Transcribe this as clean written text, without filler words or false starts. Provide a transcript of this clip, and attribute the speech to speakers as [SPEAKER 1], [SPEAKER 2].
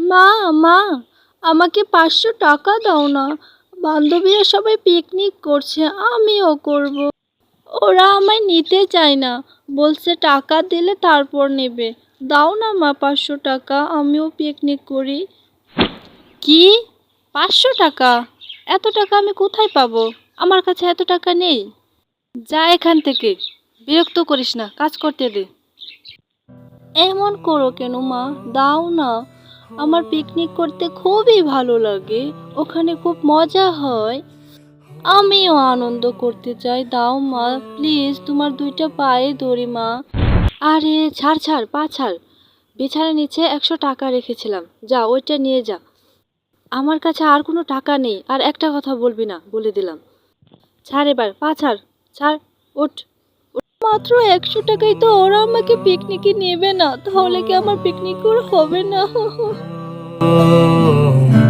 [SPEAKER 1] মা, মা, আমাকে ৫০০ টাকা দাও না। বান্ধবীরা সবাই পিকনিক করছে, আমিও করব। ওরা আমায় নিতে চায় না, বলছে টাকা দিলে তারপর নেবে। দাও না মা ৫০০ টাকা, আমিও পিকনিক করি। কি, ৫০০ টাকা? এত টাকা আমি কোথায় পাবো? আমার কাছে এত টাকা নেই। যা এখান থেকে, বিরক্ত করিস না, কাজ করতে দে। এমন করো কেন মা, দাও না। আমার পিকনিক করতে খুবই ভালো লাগে, ওখানে খুব মজা হয়। আমিও আনন্দ করতে চাই, দাও মা প্লিজ, তোমার দুইটা পায়ে ধরি মা। আরে ছাড় ছাড়, পা ছাড়। বিছানার নিচে ১০০ টাকা রেখেছিলাম, যা ওইটা নিয়ে যা। আমার কাছে আর কোনো টাকা নেই, আর একটা কথা বলবি না বলে দিলাম। ছাড় এবার, পা ছাড়, ছাড়, ওঠ। মাত্র ১০০ টাকায় তো ওরা আমাকে পিকনিকে নেবে না, তাহলে কি আমার পিকনিক করে হবে না?